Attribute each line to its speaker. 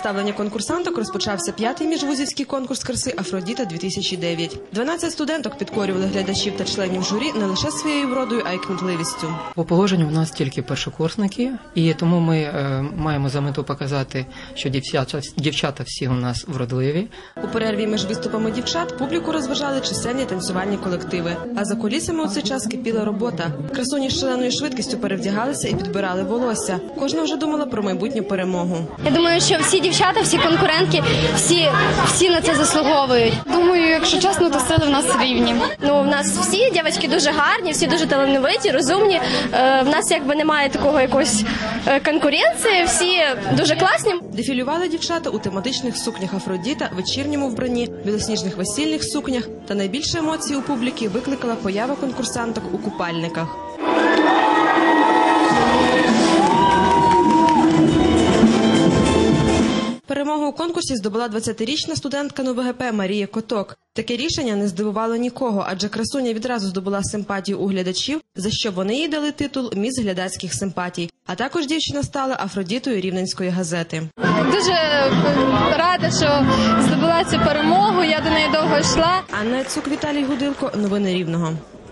Speaker 1: представлення конкурсанток розпочався 5-й міжвузівський конкурс краси «Афродіта-2009». 12 студенток підкорювали глядачів та членів журі не лише своєю вродою, а й кмітливістю.
Speaker 2: По положенню у нас тільки першокурсники, і тому ми маємо за мету показати, що дівчата всі у нас вродливі.
Speaker 1: У перерві між виступами дівчат публіку розважали чисельні танцювальні колективи. А за кулісами у цей час кипіла робота. Красуні з шаленою швидкістю перевдягалися і підбирали волосся. Кожна вже думала про майбутню перемогу.
Speaker 3: Я думаю, що всі дівчата, всі конкурентки, всі на це заслуговують.
Speaker 4: Думаю, якщо чесно, то сили в нас рівні.
Speaker 3: Ну, в нас всі дівчатки дуже гарні, всі дуже талановиті, розумні. В нас якби немає такого якоїсь конкуренції, всі дуже класні.
Speaker 1: Дефілювали дівчата у тематичних сукнях Афродіта, вечірньому вбранні, білосніжних весільних сукнях. Та найбільше емоцій у публіки викликала поява конкурсанток у купальниках. Перемогу у конкурсі здобула 20-річна студентка НУВГП Марія Коток. Таке рішення не здивувало нікого, адже красуня відразу здобула симпатію у глядачів, за що вони їй дали титул «Міс глядацьких симпатій». А також дівчина стала Афродітою Рівненської газети.
Speaker 4: Дуже рада, що здобула цю перемогу, я до неї довго йшла.
Speaker 1: Анна Яцук, Віталій Гудилко. Новини Рівного.